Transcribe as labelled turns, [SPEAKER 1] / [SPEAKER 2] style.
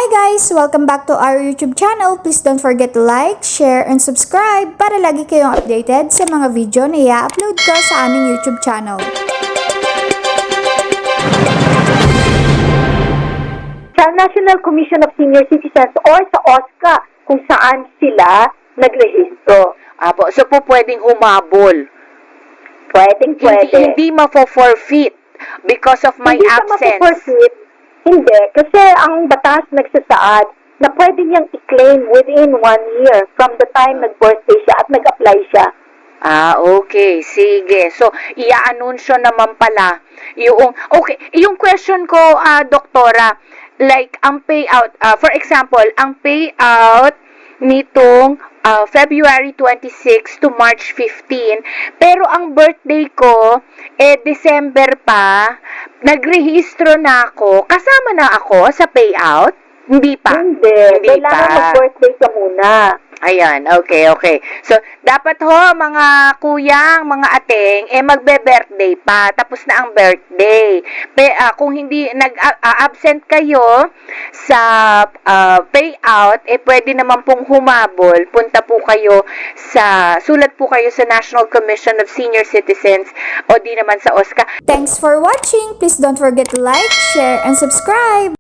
[SPEAKER 1] Hi guys! Welcome back to our YouTube channel. Please don't forget to like, share, and subscribe para lagi kayong updated sa mga video na i-upload ko sa aming YouTube channel.
[SPEAKER 2] Sa National Commission of Senior Citizens or sa OSCA kung saan sila nagrehistro.
[SPEAKER 3] Apo, so po pwedeng humabol.
[SPEAKER 2] Pwede.
[SPEAKER 3] Hindi mafo-forfeit because of my
[SPEAKER 2] Hindi
[SPEAKER 3] absence.
[SPEAKER 2] Hindi ma-forfeit. Hindi, kasi ang batas nagsasaad na pwede niyang i-claim within 1 year from the time nag-birthday siya at nag-apply siya.
[SPEAKER 3] Okay. Sige. So, i-anunsyo naman pala yung question ko, doktora, like, ang payout, for example, ang payout nitong February 26 to March 15, pero ang birthday ko, December pa, nagrehistro na ako, kasama na ako sa payout? Hindi pa?
[SPEAKER 2] Hindi kailangan mag-birthday ka muna.
[SPEAKER 3] Ayan, okay. So, dapat mga kuyang, mga ateng, magbe-birthday pa, tapos na ang birthday. Kung hindi nag-absent kayo sa payout, pwede naman pong humabol. Sulat po kayo sa National Commission of Senior Citizens o di naman sa OSCA.
[SPEAKER 1] Thanks for watching! Please don't forget to like, share, and subscribe!